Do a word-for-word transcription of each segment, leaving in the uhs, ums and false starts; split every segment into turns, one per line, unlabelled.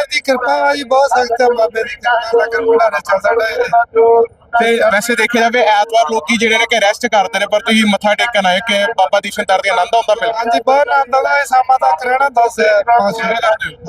ਦੀ ਕਿਰਪਾ ਜੀ ਬਹੁਤ ਸਖਤ ਹੈ ਬਾਬੇ ਦੀ ਕਿਰਪਾ ਲੰਗਰ ਭੰਡਾਰਾ ਚੱਲਦਾ ਹੈ।
ਤੇ ਵੈਸੇ ਦੇਖਿਆ ਜਾਵੇ ਐਤਵਾਰ ਲੋਕੀ ਜਿਹੜੇ ਨੇ ਕਿ ਰੈਸਟ ਕਰਦੇ ਨੇ, ਪਰ ਤੁਸੀਂ ਮੱਥਾ ਟੇਕਣ ਆਏ ਕਿ ਬਾਬਾ ਦੀਪ ਸਿੰਘ ਦਰ ਦੀ ਆਨੰਦ ਆਉਂਦਾ ਮਿਲ
ਹਾਂਜੀ ਬਹੁਤ ਆਨੰਦ ਆਉਂਦਾ ਹੈ। ਸ਼ਾਮਾਂ ਤੱਕ ਰਹਿਣਾ ਦੱਸ ਪੰਜ ਛੇ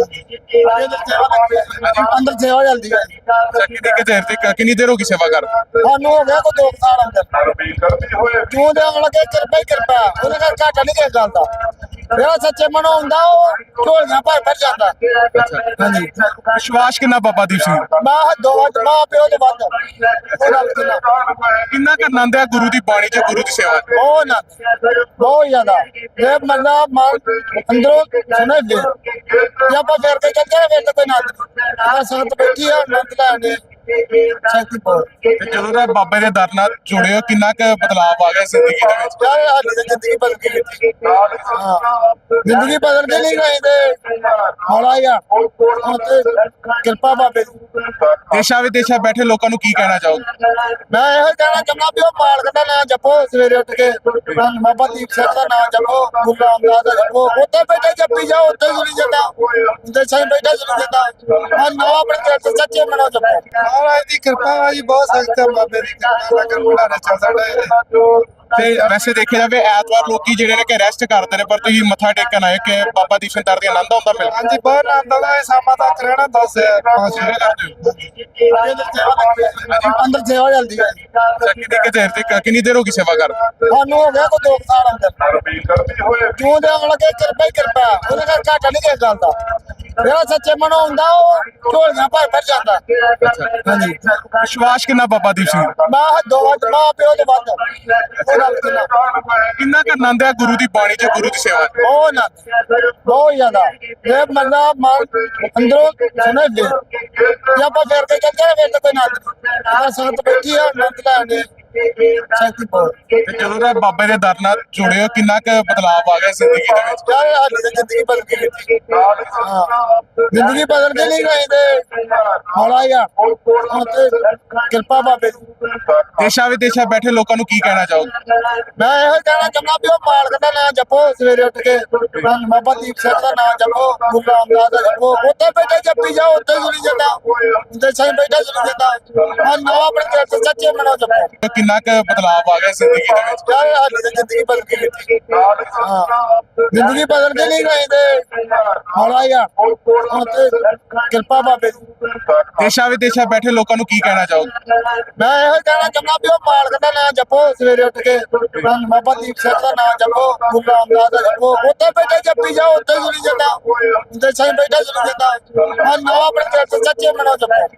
ਅੰਦਰ ਸੇਵਾ ਚੱਲਦੀ ਹੈ।
ਕਿੰਨੀ ਕੁ ਦੇਰ ਤੱਕ ਕਿੰਨੀ ਦੇਰ ਹੋ ਗਈ ਸੇਵਾ ਕਰ
ਸਾਨੂੰ ਹੋ ਗਿਆ ਕੋਈ ਦੋ ਕੁ ਸਾਲ ਅੰਦਰ ਕਿਉਂ ਦੇ ਆਉਣ ਲੱਗੇ ਕਿਰਪਾ ਹੀ ਕਿਰਪਾ ਉਹਦੇ ਨਾਲ ਘਾਟਾ ਨਹੀਂ ਕਿਸੇ ਗੱਲ ਦਾ। ਜਿਹੜਾ ਸੱਚੇ ਮਨੋਂ ਹੁੰਦਾ ਉਹ ਝੋਲੀਆਂ ਭਰ ਭਰ ਜਾਂਦਾ। ਹਾਂਜੀ
ਵਿਸ਼ਵਾਸ ਕਿੰਨਾ ਬਾਬਾ ਦੀਪ ਸਿੰਘ
ਮਾਂ ਦੋ ਮਾਂ ਪਿਓ ਦੇ ਵੱਧ ਉਹ ਗੱਲ ਕਿੰਨਾ
ਕਿੰਨਾ ਕੁ ਆਨੰਦ ਹੈ ਗੁਰੂ ਦੀ ਬਾਣੀ ਚ ਗੁਰੂ ਦੀ ਸੇਵਾ ਚ?
ਬਹੁਤ ਨਾ ਬਹੁਤ ਜ਼ਿਆਦਾ ਇਹ ਬੰਦਾ ਮਨ ਅੰਦਰੋਂ ਸੁਣੇ ਦੇ ਜੇ ਆਪਾਂ ਫਿਰ ਕੇ ਚੱਲਦੇ ਫਿਰ ਤਾਂ ਕੋਈ ਨਾ ਆ ਸੰਤ ਬੈਠੀ ਆ ਆਨੰਦ ਲੈਣੇ ਸ਼ਕਤੀ ਬਹੁਤ
ਤੇ ਜਦੋਂ ਦਾ ਬਾਬੇ ਦੇ ਦਰ ਨਾਲ ਜੁੜੇ ਹੋ ਕਿੰਨਾ ਕੁ ਬਦਲਾਅ ਆ ਗਿਆ ਜ਼ਿੰਦਗੀ ਦੇ ਵਿੱਚ?
ਯਾਰ ਸਾਡੀ ਤਾਂ ਜ਼ਿੰਦਗੀ ਬਦਲ ਗਈ। ਹਾਂ ਜ਼ਿੰਦਗੀ ਬਦਲ ਕੇ ਨਹੀਂ ਰਹੀ ਤੇ ਹੌਲਾ ਹੀ ਆ ਹੁਣ ਤੇ ਕਿਰਪਾ ਬਾਬੇ ਦੀ।
ਦੇਸ਼ਾਂ ਵਿਦੇਸ਼ਾਂ ਬੈਠੇ ਲੋਕਾਂ ਨੂੰ ਕੀ ਕਹਿਣਾ ਚਾਹੋਗੇ?
ਮੈਂ ਇਹੋ ਕਹਿਣਾ ਚਾਹੁੰਦਾ ਵੀ ਉਹ ਮਾਲਕ ਦਾ ਨਾਮ ਜਪੋ ਸਵੇਰੇ ਉੱਠ ਕੇ ਬਾਬਾ ਦੀਪ ਸਿੰਘ ਦਾ ਨਾਮ ਜਪੋ ਗੁਰੂ ਰਾਮਦਾਸ ਦਾ ਜਪੋ ਉੱਥੇ ਬੈਠੇ ਜਪੀ ਜਾਓ ਉੱਥੇ ਸੁਣੀ ਜਾਂਦਾ ਉੱਥੇ ਸਾਈਂ ਬੈਠਾ ਸੁਣੀ ਜਾਂਦਾ ਆ ਨਾ ਆਪਣੇ ਦਿਲ ਤੋਂ ਸੱਚੇ ਮਨੋਂ ਜਪੋ। ਮਹਾਰਾਜ ਦੀ ਕਿਰਪਾ ਜੀ ਬਹੁਤ ਸਖਤ ਹੈ ਬਾਬੇ ਦੀ ਕਿਰਪਾ ਲੰਗਰ ਭੰਡਾਰਾ ਚੱਲਦਾ ਹੈ।
ਤੇ ਵੈਸੇ ਦੇਖਿਆ ਜਾਵੇ ਐਤਵਾਰ ਲੋਕੀ ਜਿਹੜੇ ਨੇ ਕਿ ਰੈਸਟ ਕਰਦੇ ਨੇ, ਪਰ ਤੁਸੀਂ ਮੱਥਾ ਟੇਕਣ ਆਏ ਕਿ ਬਾਬਾ ਦੀਪ ਸਿੰਘ ਦਰ ਦੀ ਆਨੰਦ ਆਉਂਦਾ ਮਿਲ
ਹਾਂਜੀ ਬਹੁਤ ਆਨੰਦ ਆਉਂਦਾ ਹੈ। ਸ਼ਾਮਾਂ ਤੱਕ ਰਹਿਣਾ ਦੱਸ ਪੰਜ ਛੇ ਅੰਦਰ ਸੇਵਾ ਚੱਲਦੀ ਹੈ।
ਕਿੰਨੀ ਕੁ ਦੇਰ ਤੱਕ ਕਿੰਨੀ ਦੇਰ ਹੋ ਗਈ ਸੇਵਾ ਕਰ
ਸਾਨੂੰ ਹੋ ਗਿਆ ਕੋਈ ਦੋ ਕੁ ਸਾਲ ਅੰਦਰ ਕਿਉਂ ਦੇ ਆਉਣ ਲੱਗੇ ਕਿਰਪਾ ਹੀ ਕਿਰਪਾ ਉਹਦੇ ਨਾਲ ਘਾਟਾ ਨਹੀਂ ਕਿਸੇ ਗੱਲ ਦਾ। ਜਿਹੜਾ ਸੱਚੇ ਮਨੋਂ ਹੁੰਦਾ ਉਹ ਝੋਲੀਆਂ ਭਰ ਭਰ ਜਾਂਦਾ। ਹਾਂਜੀ
ਵਿਸ਼ਵਾਸ ਕਿੰਨਾ ਬਾਬਾ ਦੀਪ ਸਿੰਘ
ਮਾਂ ਦੋ ਮਾਂ ਪਿਓ ਦੇ ਵੱਧ ਉਹ ਗੱਲ ਕਿੰਨਾ
ਕਿੰਨਾ ਕੁ ਆਨੰਦ ਹੈ ਗੁਰੂ ਦੀ ਬਾਣੀ ਚ ਗੁਰੂ ਦੀ ਸੇਵਾ ਚ?
ਬਹੁਤ ਨਾ ਬਹੁਤ ਜ਼ਿਆਦਾ ਇਹ ਬੰਦਾ ਮਨ ਅੰਦਰੋਂ ਸੁਣੇ ਦੇ ਜੇ ਆਪਾਂ ਫਿਰ ਕੇ ਚੱਲਦੇ ਫਿਰ ਤਾਂ ਕੋਈ ਨਾ ਆ ਸੰਤ ਬੈਠੀ ਆ ਆਨੰਦ ਲੈਣੇ ਸ਼ਕਤੀ ਬਹੁਤ
ਤੇ ਜਦੋਂ ਦਾ ਬਾਬੇ ਦੇ ਦਰ ਨਾਲ ਜੁੜੇ ਹੋ ਕਿੰਨਾ ਕੁ ਬਦਲਾਅ ਆ ਗਿਆ ਜ਼ਿੰਦਗੀ ਦੇ ਵਿੱਚ?
ਯਾਰ ਸਾਡੀ ਤਾਂ ਜ਼ਿੰਦਗੀ ਬਦਲ ਗਈ। ਹਾਂ ਜ਼ਿੰਦਗੀ ਬਦਲ ਕੇ ਨਹੀਂ ਰਹੀ ਤੇ ਹੌਲਾ ਹੀ ਆ ਹੁਣ ਤੇ ਕਿਰਪਾ ਬਾਬੇ ਦੀ।
ਦੇਸ਼ਾਂ ਵਿਦੇਸ਼ਾਂ ਬੈਠੇ ਲੋਕਾਂ ਨੂੰ ਕੀ ਕਹਿਣਾ ਚਾਹੋਗੇ?
ਮੈਂ ਇਹੋ ਕਹਿਣਾ ਚਾਹੁੰਦਾ ਵੀ ਉਹ ਮਾਲਕ ਦਾ ਨਾਮ ਜਪੋ ਸਵੇਰੇ ਉੱਠ ਕੇ ਬਾਬਾ ਦੀਪ ਸਿੰਘ ਦਾ ਨਾਮ ਜਪੋ ਗੁਰੂ ਰਾਮਦਾਸ ਦਾ ਜਪੋ ਉੱਥੇ ਬੈਠੇ ਜਪੀ ਜਾਓ ਉੱਥੇ ਸੁਣੀ ਜਾਂਦਾ ਉੱਥੇ ਸਾਈਂ ਬੈਠਾ ਸੁਣੀ ਜਾਂਦਾ ਆ ਨਾ ਆਪਣੇ ਦਿਲ ਤੋਂ ਸੱਚੇ ਮਨੋਂ ਜਪੋ।
ਕਿੰਨਾ ਕੁ ਬਦਲਾਅ ਆ ਗਿਆ ਜ਼ਿੰਦਗੀ ਦੇ ਵਿੱਚ?
ਯਾਰ ਸਾਡੀ ਤਾਂ ਜ਼ਿੰਦਗੀ ਬਦਲ ਗਈ। ਹਾਂ ਜ਼ਿੰਦਗੀ ਬਦਲ ਕੇ ਨਹੀਂ ਰਹੀ ਤੇ ਹੌਲਾ ਹੀ ਆ ਹੁਣ ਤੇ ਕਿਰਪਾ ਬਾਬੇ ਦੀ।
ਦੇਸ਼ਾਂ ਵਿਦੇਸ਼ਾਂ ਬੈਠੇ ਲੋਕਾਂ ਨੂੰ ਕੀ ਕਹਿਣਾ ਚਾਹੋਗੇ?
ਮੈਂ ਇਹੋ ਕਹਿਣਾ ਚਾਹੁੰਦਾ ਵੀ ਉਹ ਮਾਲਕ ਦਾ ਨਾਮ ਜਪੋ ਸਵੇਰੇ ਉੱਠ ਕੇ ਬਾਬਾ ਦੀਪ ਸਿੰਘ ਦਾ ਨਾਮ ਜਪੋ ਗੁਰੂ ਰਾਮਦਾਸ ਦਾ ਜਪੋ ਉੱਥੇ ਬੈਠੇ ਜਪੀ ਜਾਓ ਉੱਥੇ ਸੁਣੀ ਜਾਂਦਾ ਉੱਥੇ ਸਾਈਂ ਬੈਠਾ ਸੁਣੀ ਜਾਂਦਾ ਆ ਨਾ ਆਪਣੇ ਦਿਲ ਤੋਂ ਸੱਚੇ ਮਨੋਂ ਜਪੋ।